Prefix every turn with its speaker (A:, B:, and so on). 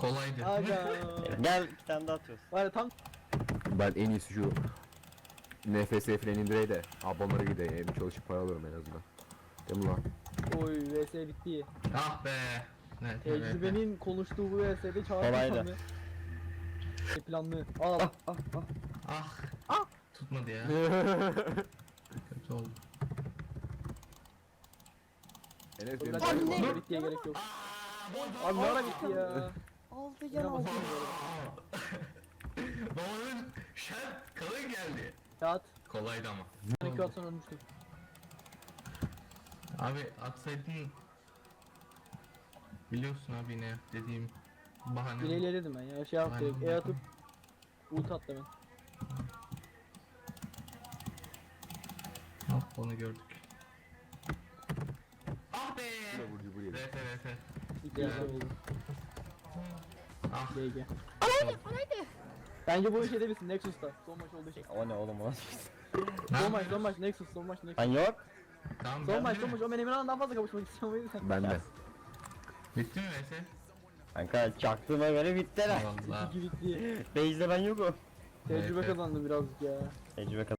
A: Kolaydı.
B: Aga.
C: Gel bir tane daha atıyoruz.
B: Var ya tam
D: Ben en iyisi şu NFS falan indireyim de abonlara gideyim, çalışıp para alırım en azından. Değil mi lan?
B: oy vs bitti.
A: Ah be. Evet, evet.
B: Tecrübenin konuştuğu bu vs'de çağrı
C: Kolaydı.
B: planlı. Planlı. Al.
A: Ah. Tutmadı ya. Kötü oldu.
D: Enes
B: Dur,
D: benim
B: hadi,
D: takip
B: hadi,
D: var.
B: bittiye gerek yok. Abi ne ara bitti ya?
C: Aldı
B: Yine basıyorum
A: Babanın şart kalın geldi.
B: Kağıt.
A: Kolaydı ama.
B: Ben 2 at sonra ölmüştüm.
A: Abi atsaydın biliyorsun abi ne dediğim bahane.
B: Bileyle dedim ben ya. Şey yaptı.
A: Aynen.
B: E atıp ult at demen.
A: Hop onu gördük. Ah be.
D: Burcu bu yedi.
A: Evet evet evet.
B: İhtiyacı oldu.
A: Ah.
B: GG. Bence bu işe de bilsin Nexus'ta. Son maç olduğu şey.
C: O ne oğlum o?
B: Son maç Nexus, son maç Nexus.
C: Lan yok.
A: Tamam,
B: Son maç,
A: bitti
B: son
A: mi?
B: maç. O ben Emirhan'dan daha fazla kapışmak istiyorum o yüzden.
D: Ben de.
A: Bitti mi Veysel?
C: Kanka çaktığıma göre bitti lan.
A: Allah.
B: 2 bitti.
C: Base'de ben yokum.
B: Tecrübe
A: Evet, evet.
B: kazandım birazcık ya.
C: Tecrübe